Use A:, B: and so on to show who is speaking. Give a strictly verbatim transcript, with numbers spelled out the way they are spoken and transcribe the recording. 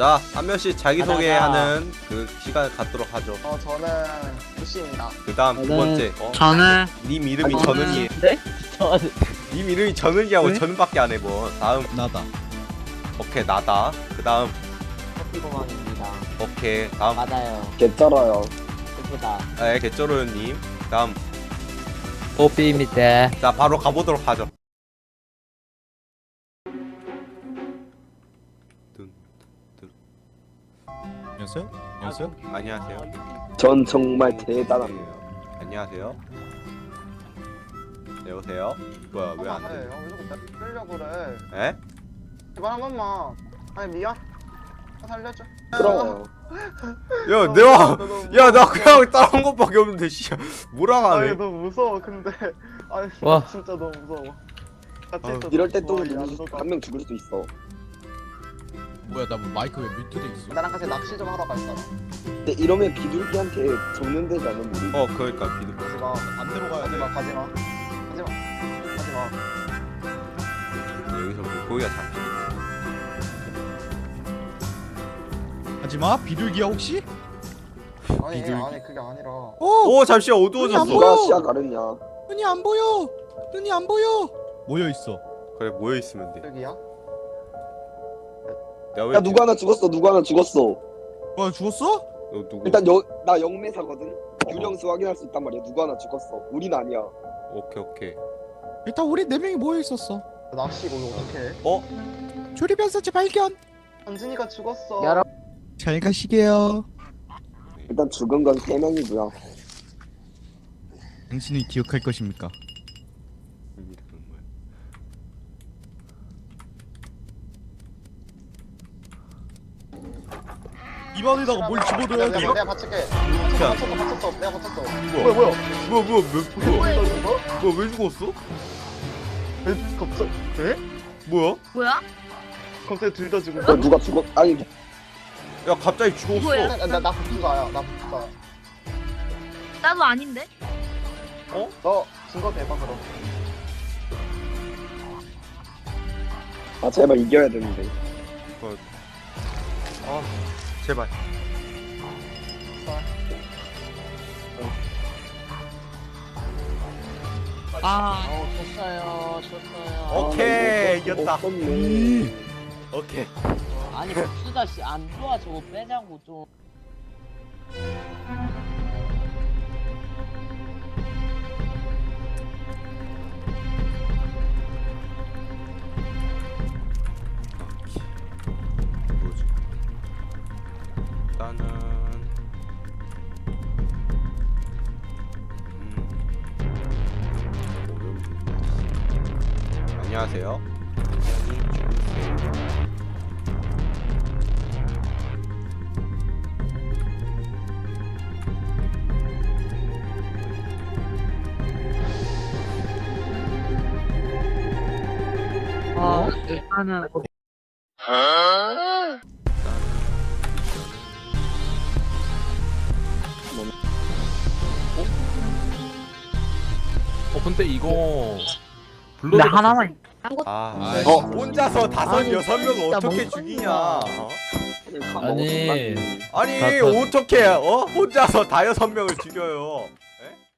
A: 자, 한 명씩 자기소개하는 그 시간을 갖도록 하죠.
B: 어 저는 부시입니다.
A: 그 다음 두 번째. 어?
C: 저는
A: 님 이름이
B: 저는-
A: 전은이에요.
C: 네? 저는
A: 님 이름이 전은이하고
C: 네?
A: 전은밖에 안 해본. 다음.
D: 나다.
A: 오케이, 나다. 그 다음.
C: 커피고망입니다.
A: 오케이, 다음.
C: 맞아요.
B: 개쩔어요.
C: 예쁘다.
A: 네, 개쩌로님. 다음.
C: 뽀삐입니다.
A: 자, 바로 가보도록 하죠.
D: 안녕하세요. 안녕하세요.
A: 안녕하세요.
B: 전 정말 대단합니다.
A: 네, 안녕하세요. 여보세요? 뭐야, 왜 안 돼?
B: 왜 자꾸 끌려고 그래?
A: 에?
B: 제발 한 번만. 아니 미안. 살려줘.
E: 부러워요.
A: 야, 내가 야, 나 그냥 따라온 것밖에 없는데 씨. 뭐라
B: 아니
A: 하네.
B: 너무 무서워 근데. 아니
C: 와.
B: 진짜 너무 무서워. 같이
A: 아유.
B: 있어도
E: 이럴 때 또
B: 무서워, 안
E: 한 명 죽을 수도 있어.
D: 뭐야 나 뭐 마이크 왜 뮤트돼 있어?
B: 나랑 같이 낚시 좀 하러 갔잖아.
E: 근데 이러면 비둘기한테 적는데지 않은 우리.
A: 어, 그러니까 비둘기.
B: 가지마.
D: 반대로 가야 돼.
B: 가지마 가지마. 가지마. 가지마.
A: 여기서 물고기가 잡히네.
D: 하지마 비둘기야 혹시?
B: 아니
D: 비둘기.
B: 아니 그게 아니라.
D: 오!
A: 오, 잠시만 어두워졌어.
E: 누가 시야 가르냐?
D: 눈이 안 보여. 눈이 안 보여. 모여 있어.
A: 그래, 모여 있으면 돼.
B: 여기야?
A: 야, 왜
E: 야 누구 하나 죽었어. 누구 하나 죽었어.
D: 와 죽었어?
A: 너 누구?
E: 일단 여, 나 영매사거든. 유령수 확인할 수 있단 말이야. 누구 하나 죽었어. 우린 아니야.
A: 오케이, 오케이.
D: 일단 우리 네 명이 모여 있었어.
B: 낚시 이거 어떡해?
A: 어?
D: 조립연서 재발견.
B: 현진이가 죽었어.
C: 여러분.
D: 잘 가시게요.
E: 일단 죽은 건 세 명이고요.
D: 당신이 기억할 것입니까?
A: 이름은 뭐야?
D: 입안에다가 뭘 집어넣어야
B: 내가,
D: 돼?
B: 내가, 내가 받칠게.
A: 자,
B: 받쳤어 받쳤어. 내가 받쳤어.
A: 뭐야,
B: 뭐야?
A: 뭐야, 뭐야, 왜, 뭐야,
B: 뭐야?
A: 뭐야, 왜 죽었어?
B: 에? 갑자기? 에?
A: 뭐야?
F: 뭐야?
B: 갑자기 둘 다 죽은
E: 야,
B: 거야?
E: 누가 죽었? 아니
A: 야, 갑자기 죽었어.
F: 뭐야?
B: 나나 복수가야. 나 복수가.
F: 나도 아닌데?
B: 너 증거 대봐 그럼.
E: 아 제발 이겨야 되는데.
A: 아, 제발.
C: 아, 어, 졌어요. 졌어요.
A: 오케이,
E: 아,
A: 이겼다.
E: 없었네.
A: 오케이.
C: 아니, 복수다 씨 안 좋아. 저거 빼자고 좀.
A: 뭐지? 일단은 음. 안녕하세요.
C: 아, 일단은
G: 어 근데 이거
C: 근데
G: 블러드
C: 하나만
A: 아,
D: 아이,
A: 어, 혼자서 다섯
C: 아니,
A: 여섯 명을
C: 진짜
A: 어떻게
C: 멍청이야.
A: 죽이냐? 어?
G: 아니.
A: 아니
G: 다- 다-
A: 어떻게 어 혼자서 다 여섯 명을 죽여요? 에?